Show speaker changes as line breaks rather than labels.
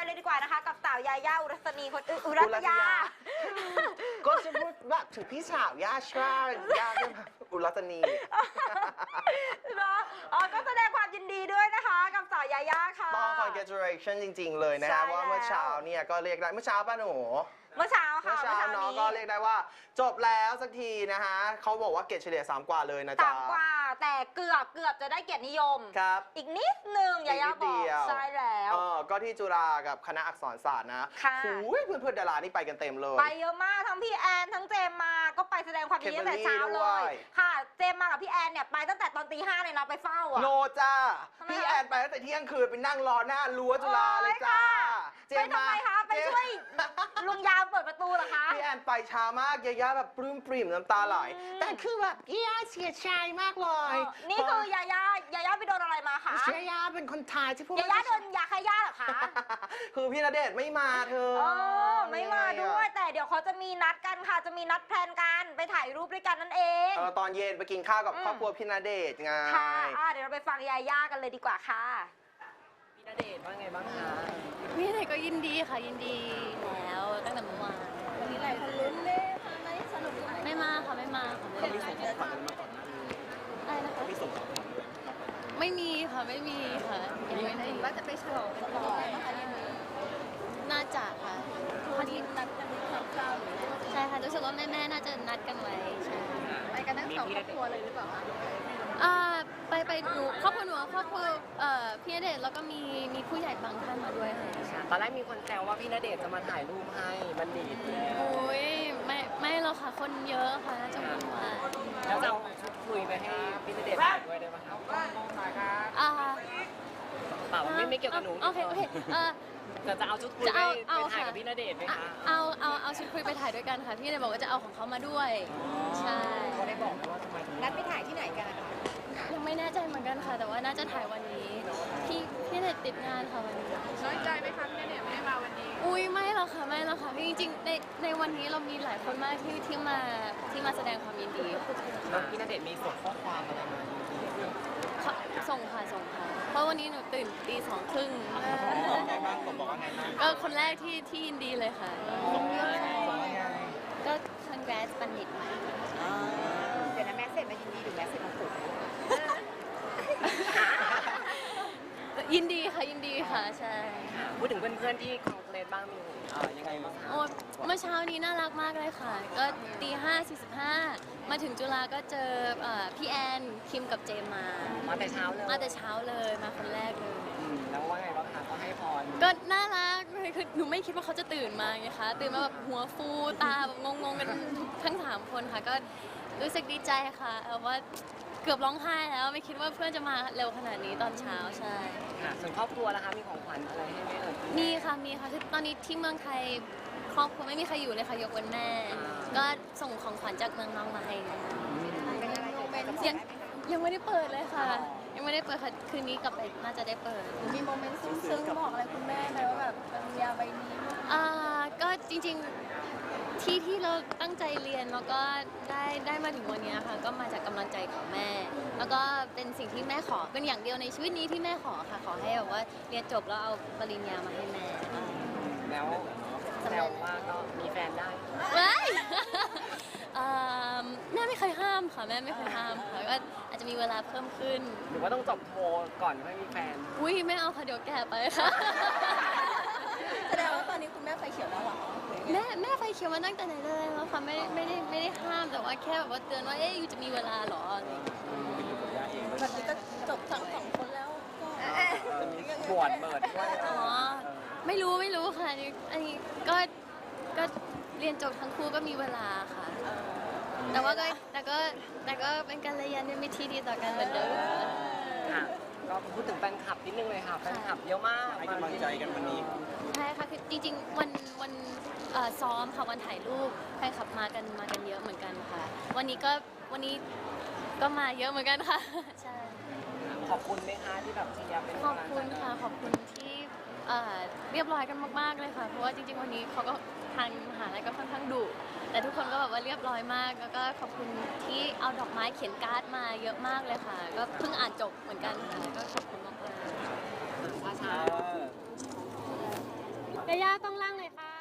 เลยดีกว่านะคะกับสาวยาย่าอุรัสนีคนอุรัตยา
ก็จะพูดว่าถึงพี่สาวย่าชาย่าก็อุรัตนี
เนาะก็แสดงความยินดีด้วยนะคะกับสาวยาย่าค่ะ
ต้อง congratulation จริงๆเลยนะครับว่าเมื่อเช้าเนี่ยก็เรียกได้เมื่อเช้าป้าหนู
เมื่อเช้าค่ะ
เมื่อเช้าน้องก็เรียกได้ว่าจบแล้วสักทีนะฮะเขาบอกว่าเกรดเฉลี่ย3 กว่าเลยนะจ๊ะ
3 กว่าแต่เกือบจะได้เกียรตินิยม
ครับ
อีกนิดนึงยาย่าบอกใช่แล้ว
ก็ที่จุฬากับคณะอักษรศาสตร์นะเพื่อนๆดารานี่ไปกันเต็มเลย
ไปเยอะมากทั้งพี่แอนทั้งเจมมาก็ไปแสดงความยินดีตั้งแต่เช้าเลยค่ะเจมมากับพี่แอนเนี่ยไปตั้งแต่ตอนตี 5เลยนะไปเฝ้าอ่ะ
โนจ้าพี่แอนไปตั้งแต่เที่ยงคืนไปนั่งรอหน้ารั้วจุฬาเลยจ้า
ไปทำไมคะไปช่วยลุงยามเปิดประตูเหรอคะ
พี่แอนไปช้ามากยาย่าแบบปลื้มปริ่มน้ำตาไหลแต่คือแบบยาย่าเสียใจมากเลย
นี่คือยาย่าไปโดนอะไรมาคะ
ยาย่าเป็นคนไทยที่พูด
ยาย่าโดนยาฆ่าย่าเหรอคะ
คือพี่ณเดชน์ไม่มาเธอ
ไม่มาด้วยแต่เดี๋ยวเขาจะมีนัดกันค่ะจะมีนัดแพลนกันไปถ่ายรูปด้วยกันนั่นเอง
ตอนเย็นไปกินข้าวกับครอบครัวพี่ณเดชน์ไง
ค่ะเดี๋ยวเราไปฟังยาย่ากันเลยดีกว่าค่ะ
พี่ณเดชน์ว่าไงบ้างคะ
พี่ณเดชน์ก็ยินดีค่ะยินดีแล้วตั้งแต่เมื่อวาน
วันนี้หลายคนลุ้นเลยค่ะไม่สนุก
ไม่มาค่ะไม่มาค่ะ
เขามีส่งของขวัญมาก่อนหน้านี้
อะไรนะคะ
เขามีส่งของขวัญด้วย
ไม่มีค่ะไม่มีค่ะ
ยังไม่ได้ว่าจะไปฉลองกันต่อนะคะยังมี
น่าจะค่ะ
พอดีนัดกันคร่าวๆ
ใช่ค่ะรู้สึกว่าแม่น่าจะนัดกันไว้ใช่
ไปกันทั้ง2 ครอบครัวเลยหรือเปล่าคะ
ไปดูครอบครัวหนูครอบครัวพี่ณเดชน์แล้วก็มีผู้ใหญ่บางท่านมาด้วยค่ะ
ตอนแรกมีคนแซวว่าพี่ณเดชน์จะมาถ่ายรูปให้มันดีดแล้ว
โอ้ยไม่หรอกค่ะคนเยอะค่ะน่าจะวุ่นวาย
แล้วจะเอาชุดคุยไปให้พี่ณเดชน์ถ่ายด้วยได้ไหมครับเปล่าไม่เกี่ยวกับหนู
โอเค
จะเอาชุดคุยไปถ่ายกับพี่ณเดชน์ไหมคะ
เอาชุดคุยไปถ่ายด้วยกันค่ะพี่ณเดชน์บอกว่าจะเอาของเขามาด้วยใช่
เขาได้บอกว่าทำไม
นัดไปถ่ายที่ไหนกัน
ยังไม่แน่ใจเหมือนกันค่ะแต่ว่าน่าจะถ่ายวันนี้พี่ณเดชน์ติดงานค่ะวันนี้
น้อยใจไหมคะพี่ณเดชน์ไม่ได้มาวันนี้
อุ้ยไม่หรอกค่ะจริงๆในวันนี้เรามีหลายคนมากที่มาแสดงความยินดี
พี่ณเดชน์มีส่งข้อความอะไรมา
ส่งค่ะเพราะวันนี้หนูตื่นตี 2:30
ไงบ้างผมบอกว่าไงบ้าง
ก็คนแรกที่ยินดีเลยค่ะก็ congrats บัณฑิตใหม่
เดี๋ยวนะแม่เสร็จมายินดีหรือแม่เสร็จมาปลุก
ยินดีค่ะใช่
พูดถึงเพื่อนๆที่คอนเสิร์ตบ้างมียังไงบ้างคะ
เมื่อเช้านี้น่ารักมากเลยค่ะก็ตี 5:45มาถึงจุฬาก็เจอพี่แอนคิมกับเจม
มาแต่เช้า
เลยมาคนแรกเลย
แล้วว่าไงบ้างคะก็ให้พร
ก็น่ารักเลยคือหนูไม่คิดว่าเขาจะตื่นมาไงคะตื่นมาแบบหัวฟูตาแบบงงกันทั้ง3 คนค่ะก็รู้สึกดีใจค่ะว่าเกือบร้องไห้แล้วไม่คิดว่าเพื่อนจะมาเร็วขนาดนี้ตอนเช้าใช่
ค่ะส่วนครอบครัวล่ะคะมีของขวัญอะไรให้ไหม
มีค่ะคือตอนนี้ที่เมืองไทยครอบครัวไม่มีใครอยู่เลยค่ะยกเว้นแม่ก็ส่งของขวัญจากเมืองน้องมาให้ยังไม่ได้เปิดเลยค่ะยังไม่ได้เปิดค่ะคืนนี้กลับไปน่าจะได้เปิด
มีโมเมนต์ซึ้งๆบอกอะไรคุณแม่ไหมว่าแบบปริญญาใบนี้
ก็จริงๆที่เราตั้งใจเรียนแล้วก็ได้มาถึงวันนี้ค่ะก็มาจากกำลังใจของแม่แล้วก็เป็นสิ่งที่แม่ขอเป็นอย่างเดียวในชีวิตนี้ที่แม่ขอค่ะขอให้แบบว่าเรียนจบแล้วเอาปริญญามาให้แม่
แล้วแซวว่าก็มีแฟนได้
แม่ไม่เคยห้ามค่ะแม่ไม่เคยห้ามค่ะก็อาจจะมีเวลาเพิ่มขึ้น
หรือว่าต้องจบโทก่อนไม่มีแฟน
อุ้ยไม่เอาค่ะเดี๋ยวแก่ไปค่ะ
แสดงว่าตอนนี้คุณแม่ไฟเขียวแล้วเหรอ
แม่ไฟเขียวมาตั้งแต่ไหนเลยแล้วค่ะไม่ได้ห้ามแต่ว่าแค่แบบว่าเตือนว่าอยู่จะมีเวลาหรอ
แบบนี้ก็จบทั้ง2 คนแล้ว
จะมีบวชเปิดด้วย
ไม่รู้ค่ะอันนี้ก็เรียนจบทั้งคู่ก็มีเวลาค่ะแต่ก็เป็นการเรียนมีที่ดีต่อกันเหมือนเดิม
ค่ะก็พูดถึงแฟนคลับนิดนึงเลยค่ะแฟนคลับเยอะมากให้กำลังใจกันวันนี้
ใช่ค่ะคือจริงๆวันซ้อมค่ะวันถ่ายรูปแฟนคลับมากันเยอะเหมือนกันค่ะวันนี้ก็มาเยอะเหมือนกันค่ะใช่
ขอบคุณไหมคะที่แบบเชียร์เป็น
ขอบคุณค่ะขอบคุณที่เรียบร้อยกันมากๆเลยค่ะเพราะว่าจริงๆวันนี้เขาก็ทางมหาลัยก็ค่อนข้างดุแต่ทุกคนก็แบบว่าเรียบร้อยมากแล้วก็ขอบคุณที่เอาดอกไม้เขียนการ์ดมาเยอะมากเลยค่ะก็เพิ่งอ่านจบเหมือนกันค่ะก็ขอบคุณมากๆ
ว่าช้า
ยาย่ากล้องล่างเลยค่ะ